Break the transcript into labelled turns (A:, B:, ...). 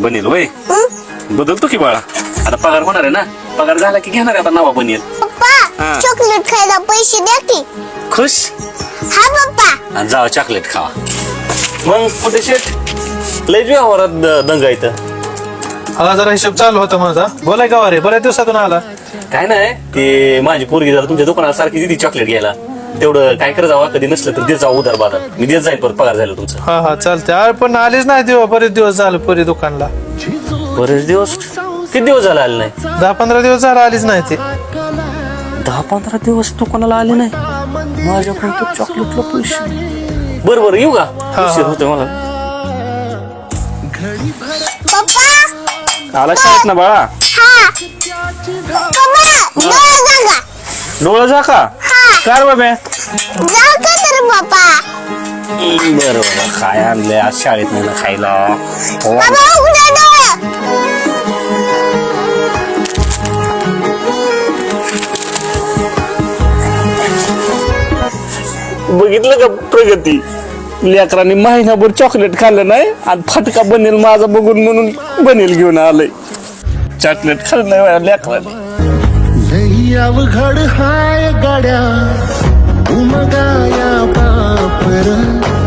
A: बनेल वय बदलतो की बाळा. आता पगार होणार आहे ना, पगार झाला की घेणार आहे आता नवा बनेल.
B: पप्पा चॉकलेट खायला पैसे द्या की.
A: खुश
B: हा पप्पा.
A: आणि जावा चॉकलेट खावा. मग कुठे शेट लय व्यवहारात दंगा इथं.
C: हा जरा हिशोब चालू होता माझा. बोलाय का रे, बऱ्याच दिवसातून आला.
A: काय नाही ते माझी पोरगी जरा तुमच्या दुकानात सारखी दिली चॉकलेट घ्यायला. तेवढं काय कर जावा, कधी नसलं तर देत जाऊ उधार बाजार. मी देत जाईल परत पगार झालं तुमचं.
C: हा हा चालते. अरे पण आलीच नाही तेव्हा, बरेच दिवस झाले परी दुकानला.
A: बरेच दिवस. किती दिवस झाले आले नाही?
C: 10-15 दिवस झाला आलीच नाही ते.
A: 10-15 दिवस दुकानाला आले नाही. माझ्याकडून तर चॉकलेटला पैसे. बरं येऊ का? उशीर होतोय मला.
B: पप्पा
A: आला शाळेत ना बाळा.
B: हा पप्पा जागा
A: डोळा जा का? कार बाबा
B: जा का तर पप्पा.
A: बरोबर काय आणलंय आज शाळेत नाही ना खायला.
B: बाबा उघडा डोळा.
A: बघितलं का प्रगती? लेकरांनी महिनाभर चॉकलेट खाल्लं नाही आणि फटका बनेल माझा बघून म्हणून बनेल घेऊन आलंय. चॉकलेट खाल्लं नाही लेकरांनी.
D: लई अवघड हाय गाड्या उमगाया पापर